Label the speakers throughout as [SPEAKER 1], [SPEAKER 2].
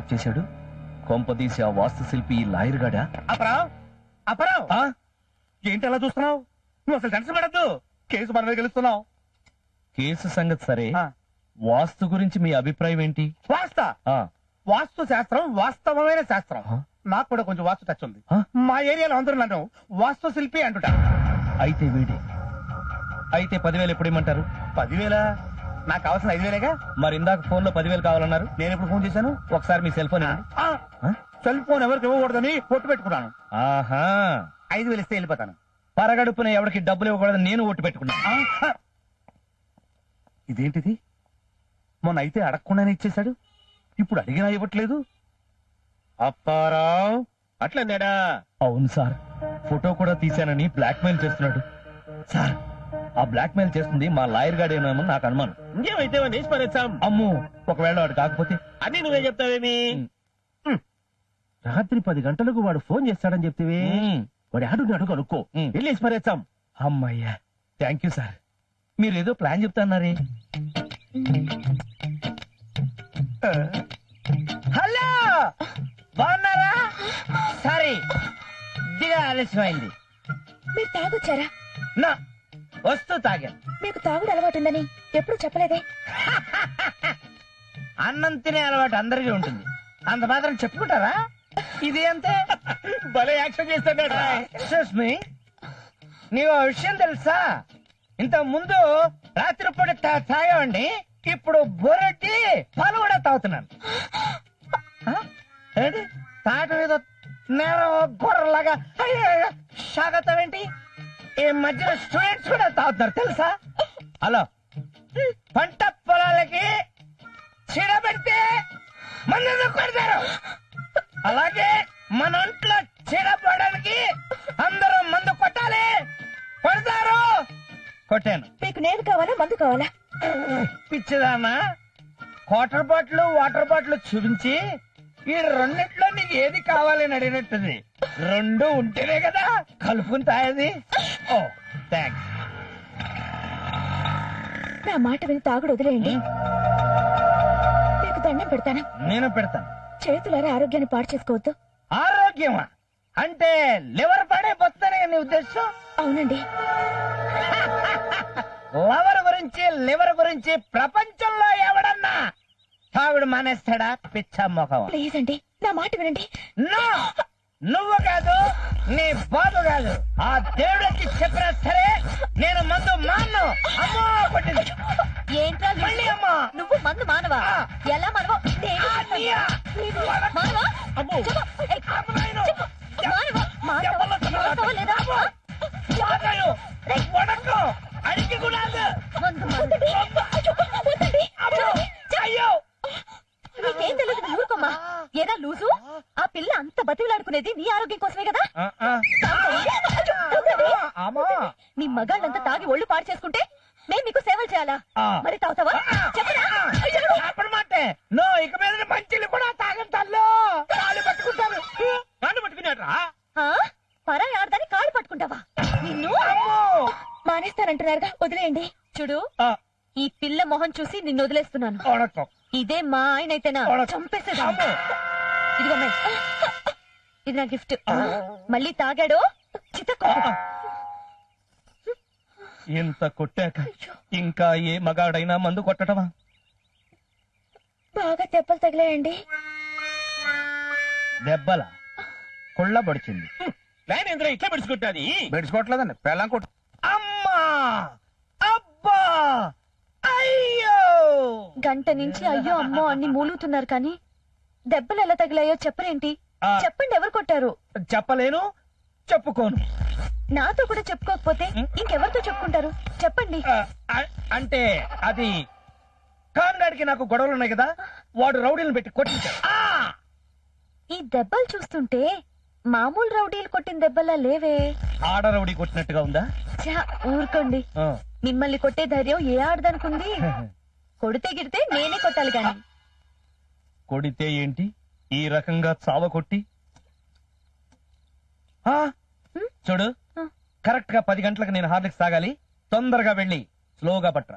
[SPEAKER 1] Lock చేశాడు? కొంపదీసి ఆ వాస్తు శిల్పి ఈ లాయర్ గాడా?
[SPEAKER 2] అపరావ్ అపరావ్ ఏంటి అలా చూస్తున్నావు? నువ్వు అసలు టెన్షన్ పడద్దు, కేసు మన మీద గెలుస్తున్నావు.
[SPEAKER 1] కేసు సంగతి సరే, వాస్తు గురించి మీ అభిప్రాయం ఏంటి?
[SPEAKER 2] వాస్తు శాస్త్రం వాస్తవమైన శాస్త్రం. నాకు కూడా కొంచెం వాస్తు టచ్ ఉంది. మా ఏరియాలో అందరూ నన్ను వాస్తు శిల్పి అంటుట.
[SPEAKER 1] అయితే వీడే. అయితే 10,000 ఎప్పుడు ఇమ్మంటారు?
[SPEAKER 2] 10,000? నాకు కావాల్సిన 5,000గా.
[SPEAKER 1] మరి ఇందాక ఫోన్ లో 10,000 కావాలన్నారు.
[SPEAKER 2] నేను ఎప్పుడు ఫోన్ చేశాను?
[SPEAKER 1] ఒకసారి మీ సెల్ ఫోన్
[SPEAKER 2] సెల్ ఫోన్ ఎవరికి ఇవ్వకూడదని పొట్టు పెట్టుకున్నాను.
[SPEAKER 1] ఆహా,
[SPEAKER 2] 5,000 ఇస్తే వెళ్ళిపోతాను.
[SPEAKER 1] పరగడుపున ఎవరికి డబ్బులు ఇవ్వకూడదని నేను ఒట్టు పెట్టుకున్నాను.
[SPEAKER 2] ఇదేంటిది? మొన్న అయితే అడగకుండానే ఇచ్చేశాడు, ఇప్పుడు అడిగినా ఇవ్వట్లేదు. అప్పారావు అట్లన్నాడా?
[SPEAKER 1] అవును సార్, ఫోటో కూడా తీశానని బ్లాక్ మెయిల్ చేస్తున్నాడు. సార్, ఆ బ్లాక్ మెయిల్ చేస్తుంది మా లాయర్ గాడేమో నాకు అనుమానం.
[SPEAKER 2] ఇంకేమైతే నేసిపారేస్తాం.
[SPEAKER 1] అమ్ము, ఒకవేళ వాడు కాకపోతే?
[SPEAKER 2] అని నువ్వే చెప్తావేమి?
[SPEAKER 3] రాత్రి 10 గంటలకు వాడు ఫోన్ చేస్తాడని చెప్తివి. వాడు ఆడున్నాడు కనుక్కో, వెళ్ళేసి మరేస్తాం.
[SPEAKER 1] అమ్మయ్యా, థ్యాంక్ యూ సార్. మీరేదో ప్లాన్ చెప్తాన్నారే.
[SPEAKER 4] హలో, బాగున్నారా? సారీ, దిగా ఆలస్యమైంది.
[SPEAKER 5] మీరు తాగొచ్చారా?
[SPEAKER 4] నా వస్తూ తాగాను.
[SPEAKER 5] మీకు తాగుడు అలవాటుందని ఎప్పుడు చెప్పలేదే.
[SPEAKER 4] అన్నం తినే అలవాటు అందరికీ ఉంటుంది, అంత మాత్రం చెప్పుకుంటారా? ఇది అంతే.
[SPEAKER 2] భలే యాక్షన్ చేస్తాడు.
[SPEAKER 4] ఎక్స్క్యూజ్ మీ, నీకు విషయం తెలుసా? ఇంత ముందు రాత్రిపూట తాగేవాడిని, ఇప్పుడు బొరటి పాలు కూడా తాగుతున్నాను. ఏంటి తాట మీద నేరం గొర్రెలాగా సాగతావేంటి? ఈ మధ్యన స్టూడెంట్స్ కూడా తాగుతున్నారు తెలుసా? హలో, పంట పొలాలకి చీడ పెడితే మందు కొడతారు, అలాగే మన ఒంట్లో చీడ పడడానికి అందరూ మందు కొట్టాలి. కొడతారు. కొట్టాను.
[SPEAKER 5] మీకు నేను కావాలా, మందు కావాలా?
[SPEAKER 4] పిచ్చిదానా, వాటర్ బాటిల్ చూపించి ఈ రెండిట్లో నీకు ఏది కావాలని అడిగినట్టుంది. రెండు ఉంటేనే కదా కలుపుకుని తాగేది. ఓ థ్యాంక్స్.
[SPEAKER 5] నా మాట విని తాగుడు వదిలేయండి. మీకు దండం పెడతాను.
[SPEAKER 4] నేను పెడతాను.
[SPEAKER 5] చేతులారా ఆరోగ్యాన్ని పాడు చేసుకోవద్దు.
[SPEAKER 4] ఆరోగ్యమా అంటే లివర్ పడైపోతుందనే నీ ఉద్దేశం?
[SPEAKER 5] అవునండి.
[SPEAKER 4] లివర్ గురించి ప్రపంచంలో ఎవడన్నా తాగుడు మానేస్తాడా? పిచ్చ మొఖం.
[SPEAKER 5] ప్లీజ్ అండి, నా మాట వినండి.
[SPEAKER 4] నో, నువ్వు కాదు, నీ బాబు కాదు, ఆ దేవుడికి చెప్పినా సరే నేను మందు మాను. అమ్మో కొట్టింది.
[SPEAKER 5] ఏంట్రా
[SPEAKER 4] మళ్ళీ అమ్మా,
[SPEAKER 5] నువ్వు మందు మానవా? ఎలా మానవా?
[SPEAKER 4] అడిగి కూడా
[SPEAKER 5] నీకేం తెలియదు, ఊరుకోమ్మా. ఏదా లూజు, ఆ పిల్ల అంత బతిలాడుకునేది నీ ఆరోగ్యం కోసమే కదా. నీ మగాళ్ళంతా తాగి ఒళ్ళు పాడు చేసుకుంటే మేము మీకు సేవలు చేయాలా? మరి తాగుతావా? చెప్పరా?
[SPEAKER 4] నో, ఇక మీద మంచిలు కూడా తాగంటాల్లో కాళ్ళు పట్టుకుంటారు. కాళ్ళు పట్టుకున్నారా?
[SPEAKER 5] పరాయి ఆడదాన్ని కాళ్ళు పట్టుకుంటావా? నిన్ను మానేస్తానంటున్నారుగా, వదిలేయండి. చూడు, ఈ పిల్ల మొహం చూసి నిన్ను వదిలేస్తున్నాను. ఇదే మా ఆయన అయితేనా చంపేసేదా. ఇదిగో ఇది నా గిఫ్ట్. మళ్ళీ తాగాడు చితకో.
[SPEAKER 1] ఇంత కొట్టాక ఇంకా ఏ మగాడైనా మందు కొట్టడమా?
[SPEAKER 5] బాగా దెబ్బలు తగిలాయండి.
[SPEAKER 4] దెబ్బల కుళ్ళ పడిచింది.
[SPEAKER 2] ఇట్లా పెడుచుకుంటాది.
[SPEAKER 4] బెడుచుకోవట్లేదండి, పెళ్ళం కొట్టు. అమ్మా, అబ్బా, అయ్యో.
[SPEAKER 5] గంట నుంచి అయ్యో అమ్మో అన్ని మూలుగుతున్నారు కానీ దెబ్బలు ఎలా తగిలాయో చెప్పరేంటి? చెప్పండి, ఎవరు కొట్టారు?
[SPEAKER 4] చెప్పలేను, చెప్పుకోను.
[SPEAKER 5] నాతో కూడా చెప్పుకోకపోతే ఇంకెవరితో చెప్పుకుంటారు? చెప్పండి.
[SPEAKER 4] అంటే అది కామ్రాడ్కి నాకు గొడవలు ఉన్నాయి కదా, వాడు రౌడీలను పెట్టి కొట్టించాడు.
[SPEAKER 5] ఈ దెబ్బలు చూస్తుంటే మామూలు రౌడీలు కొట్టిన దెబ్బలా లేవే.
[SPEAKER 4] ఆడ రౌడీ కొట్టినట్టుగా ఉందా?
[SPEAKER 5] ఊరుకోండి, మిమ్మల్ని కొట్టే ధైర్యం ఏ ఆడదనుకుంది? కొడితే గిడితే నేనే కొట్టాలి గాని.
[SPEAKER 1] కొడితే ఏంటి, ఈ రకంగా చావ కొట్టి? చూడు, కరెక్ట్ గా 10 గంటలకు నేను హార్లిక్స్ తాగాలి. తొందరగా వెళ్ళి స్లోగా పట్రా.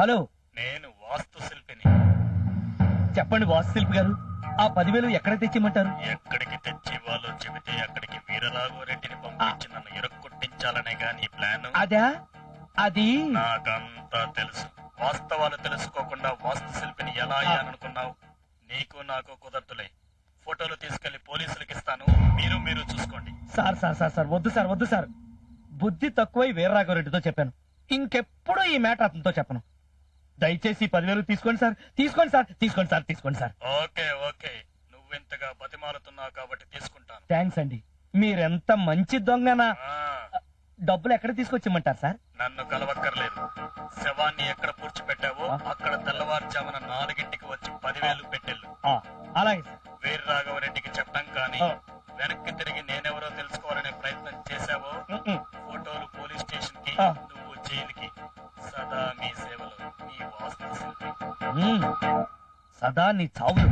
[SPEAKER 1] హలో,
[SPEAKER 6] నేను వాస్తు శిల్పిని.
[SPEAKER 1] చెప్పండి వాస్తు శిల్పి గారు, ఆ 10,000 ఎక్కడ తెచ్చిమంటారు?
[SPEAKER 6] ఎక్కడికి తెచ్చి వాళ్ళు చెబితే అక్కడికి వీరరాఘవరెడ్డిని పంపించి నన్ను ఇరక్కొట్టించాలనే గాని ప్లాన్.
[SPEAKER 1] అదా? అది
[SPEAKER 6] నాకంతా తెలుసు. వాస్తవాలు తెలుసుకోకుండా వాస్తు శిల్పిని ఎలా అయ్యాననుకున్నావు? నీకు నాకు కుదరతులే. ఫోటోలు తీసుకెళ్లి పోలీసులకు ఇస్తాను, మీరు చూసుకోండి.
[SPEAKER 1] సార్ సార్ సార్ సార్ వద్దు సార్, వద్దు సార్. బుద్ధి తక్కువై వీరరాఘవరెడ్డితో చెప్పాను, ఇంకెప్పుడు ఈ మ్యాటర్ అతనితో చెప్పను. దయచేసి 10,000 తీసుకోండి సార్, తీసుకోండి సార్, తీసుకోండి సార్, తీసుకోండి సార్.
[SPEAKER 6] ఓకే ఓకే, నువ్వెంతగా బతిమాలుతున్నావు కాబట్టి తీసుకుంటాను.
[SPEAKER 1] థ్యాంక్స్ అండి, మీరెంత మంచి దొంగనా.
[SPEAKER 6] ఆ,
[SPEAKER 1] డబ్బులు ఎక్కడ తీసుకొచ్చిమంటారు సార్?
[SPEAKER 6] నన్ను కలవక్కర్లేదు. శవాన్ని ఎక్కడ పూడ్చిపెట్టావో అక్కడ తెల్లవారుజామున 4ంటికి వచ్చి 10,000 పెట్టెళ్ళు.
[SPEAKER 1] అలాగే సార్.
[SPEAKER 6] వీరరాఘవరెడ్డికి చెప్పడం కానీ వెనక్కి తిరిగి నేనెవరో తెలుసుకోవాలనే ప్రయత్నం చేశావో ఫోటోలు పోలీస్ స్టేషన్ కి, నువ్వు జైలుకి. సదా మీ సేవలో, మీ వాస్తు శిల్పి.
[SPEAKER 1] సదా నీ చావులు.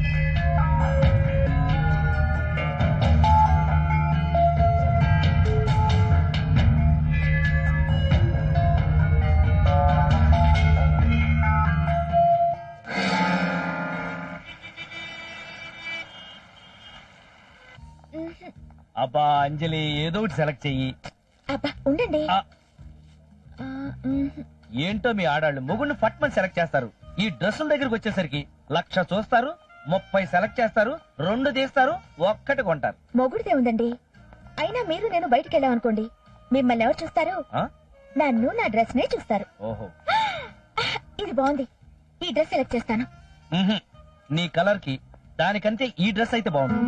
[SPEAKER 1] అబ్బా అంజలి, ఏదో ఒకటి సెలెక్ట్ చెయ్యి.
[SPEAKER 5] అబ్బా ఉండండి.
[SPEAKER 1] ఆ.
[SPEAKER 5] ఆ, మ్మ్.
[SPEAKER 1] ఏంటో మీ ఆడాళ్ళు మొగుడిని ఫట్మని సెలెక్ట్ చేస్తారు. ఈ డ్రెస్సుల దగ్గరికి వచ్చేసరికి 1,00,000 చూస్తారు, 30 సెలెక్ట్ చేస్తారు, 2 తీస్తారు, 1 కొంటారు.
[SPEAKER 5] మొగుడిదే ఉందండి. అయినా మీరు నేను బయటికి వెళ్ళామనుకోండి, మిమ్మల్ని ఎవరు చూస్తారు?
[SPEAKER 1] ఆ?
[SPEAKER 5] నన్ను నా డ్రెస్ నే చూస్తారు.
[SPEAKER 1] ఓహో.
[SPEAKER 5] ఇది బాగుంది, ఈ డ్రెస్ సెలెక్ట్ చేస్తాను.
[SPEAKER 1] మ్హూ. నీ కలర్ కి దానికంటే ఈ డ్రెస్ అయితే బాగుంది.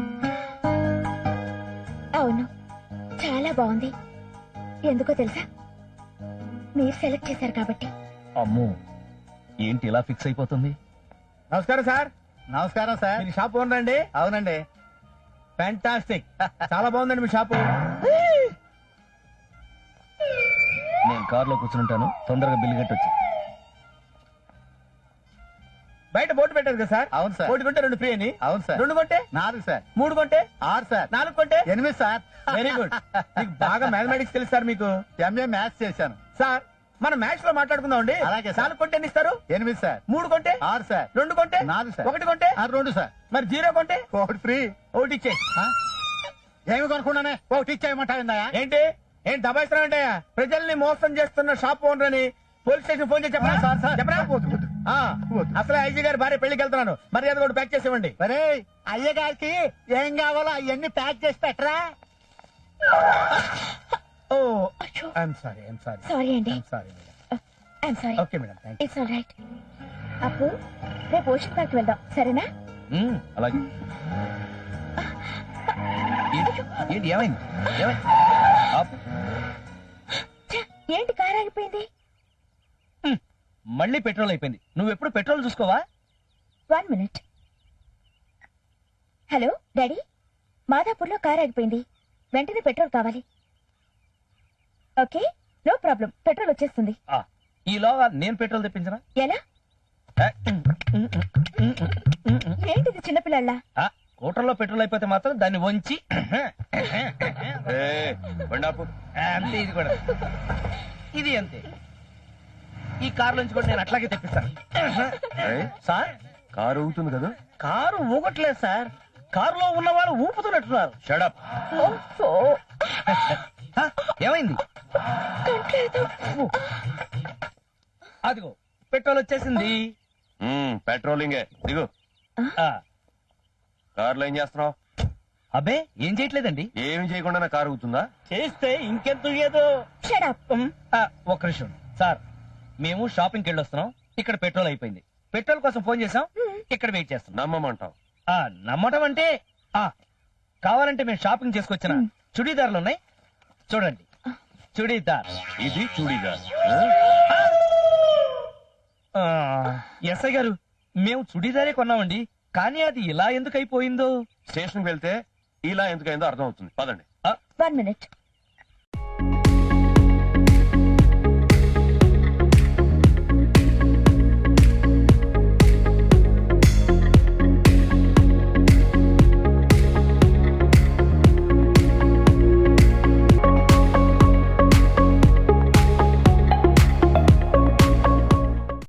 [SPEAKER 5] అవును, చాలా బాగుంది. ఎందుకో తెలుసా? మీరు సెలెక్ట్ చేశారు కాబట్టి.
[SPEAKER 1] అమ్మో, ఏంటి ఇలా ఫిక్స్ అయిపోతుంది?
[SPEAKER 2] నమస్కారం సార్.
[SPEAKER 4] నమస్కారం సార్.
[SPEAKER 2] మీ షాప్ ఓనర్ అండి?
[SPEAKER 4] అవునండి.
[SPEAKER 2] ఫ్యాంటాస్టిక్, చాలా బాగుందండి మీ షాపు.
[SPEAKER 1] నేను కారులో కూర్చుంటాను, తొందరగా బిల్లు కట్టొచ్చు.
[SPEAKER 2] బయట బోర్డు పెట్టారు కదా సార్?
[SPEAKER 4] అవును సార్.
[SPEAKER 2] 1 కొంటే 2 ఫ్రీ అని.
[SPEAKER 4] అవును సార్.
[SPEAKER 2] 2 కొంటే
[SPEAKER 4] 4 సార్.
[SPEAKER 2] 3 కొంటే
[SPEAKER 4] 6 సార్.
[SPEAKER 2] 4 కొంటే
[SPEAKER 4] 8 సార్.
[SPEAKER 2] Very good. మీకు బాగా మ్యాథమెటిక్స్ తెలుసు సార్ మీకు.
[SPEAKER 4] ఎంఏ మ్యాథ్స్ చేశాను
[SPEAKER 2] సార్ మనం మ్యాథ్స్ లో మాట్లాడుకుందాం అండి.
[SPEAKER 4] అలాగే సార్.
[SPEAKER 2] 4 కొంటే ఎన్ని ఇస్తారు?
[SPEAKER 4] 8 సార్.
[SPEAKER 2] 3 కొంటే
[SPEAKER 4] 6 సార్.
[SPEAKER 2] 2 కొంటే
[SPEAKER 4] 4 సార్.
[SPEAKER 2] 1 కొంటే
[SPEAKER 4] 2 సార్.
[SPEAKER 2] మరి 0 కొంటే
[SPEAKER 4] ఒకటి ఫ్రీ.
[SPEAKER 2] 1 ఇచ్చే.
[SPEAKER 4] ఏమి కొనుక్కున్నానే ఒకటి ఇచ్చేయమంటావిందా?
[SPEAKER 2] ఏంటి ఏం దబాయిస్తున్నావు అంటే? ప్రజల్ని మోసం చేస్తున్న షాప్ ఓనర్ అని పోలీస్ స్టేషన్ ఫోన్ చేసి చెప్పరా?
[SPEAKER 4] Sir, sir.
[SPEAKER 2] చెప్పరా? ఆ, అసలే ఐజీ గారి భార్య పెళ్లికి వెళ్తున్నాను, మరి అది కూడా ప్యాక్ చేసి ఇవ్వండి.
[SPEAKER 4] మరే అయ్య గారికి ఏం కావాలో అవన్నీ ప్యాక్ చేసి పెట్టరా.
[SPEAKER 2] ఓ I'm sorry, I'm sorry,
[SPEAKER 5] sorry అండి.
[SPEAKER 2] I'm sorry madam.
[SPEAKER 5] I'm sorry.
[SPEAKER 2] Okay madam, thank you.
[SPEAKER 5] It's all right. అప్పు, రేపు ఓషన్ పార్క్ వెళ్దాం, సరేనా?
[SPEAKER 1] అలాగే. ఏంటి ఏమైంది? ఏమైంది? ఆపు.
[SPEAKER 5] ఛ, ఏంటి కార్ ఆగిపోయింది?
[SPEAKER 1] మళ్ళీ పెట్రోల్ అయిపోయింది. నువ్వు ఎప్పుడు పెట్రోల్ చూసుకోవా?
[SPEAKER 5] 1 మినిట్. హలో డాడీ, మాదాపూర్లో కార్ ఆగిపోయింది, వెంటనే పెట్రోల్ కావాలి. ఓకే, నో ప్రాబ్లం, పెట్రోల్ వచ్చేస్తుంది.
[SPEAKER 1] ఈలోగా నేను పెట్రోల్ తెప్పించనా?
[SPEAKER 5] ఎలా? ఏంటిది చిన్నపిల్లల?
[SPEAKER 1] స్కూటర్లో పెట్రోల్ అయిపోతే మాత్రం దాన్ని వంచి అంతే. ఇది కూడా ఇది అంతే. ఈ కారు నుంచి కూడా నేను అట్లాగే తెప్పిస్తాను. సార్,
[SPEAKER 3] కారు ఊగుతుంది కదా?
[SPEAKER 1] కారు ఊగట్లేదు సార్, కారులో ఉన్న వాళ్ళు ఊపుతున్నట్టున్నారు. షడప్. ఏమైంది? అదిగో పెట్రోల్ వచ్చేసింది.
[SPEAKER 3] పెట్రోలింగే. దిగు. కారులో ఏం చేస్తున్నావు?
[SPEAKER 1] అబ్బే ఏం చేయట్లేదండి.
[SPEAKER 3] ఏమి చేయకుండా నా కారు ఊగుతుందా?
[SPEAKER 1] చేస్తే ఇంకెంత ఏదో. ఒక్క నిమిషం సార్, మేము షాపింగ్కి వెళ్ళొస్తున్నాం, ఇక్కడ పెట్రోల్ అయిపోయింది. పెట్రోల్ కోసం ఫోన్ చేసాం, ఇక్కడ వెయిట్ చేస్తున్నాం.
[SPEAKER 3] నమ్మమంటావు?
[SPEAKER 1] నమ్మటం అంటే కావాలంటే మేము షాపింగ్ చేసుకొచ్చిన చుడీదార్లు ఉన్నాయి, చూడండి. చుడీదార్.
[SPEAKER 3] ఇది చూడీదార్.
[SPEAKER 1] ఎస్ఐ గారు, మేము చుడీదారే కొన్నామండి, కానీ అది ఇలా ఎందుకు అయిపోయిందో.
[SPEAKER 3] స్టేషన్కి వెళ్తే ఇలా ఎందుకైందో అర్థం అవుతుంది. పదండి.
[SPEAKER 5] 1 మినిట్.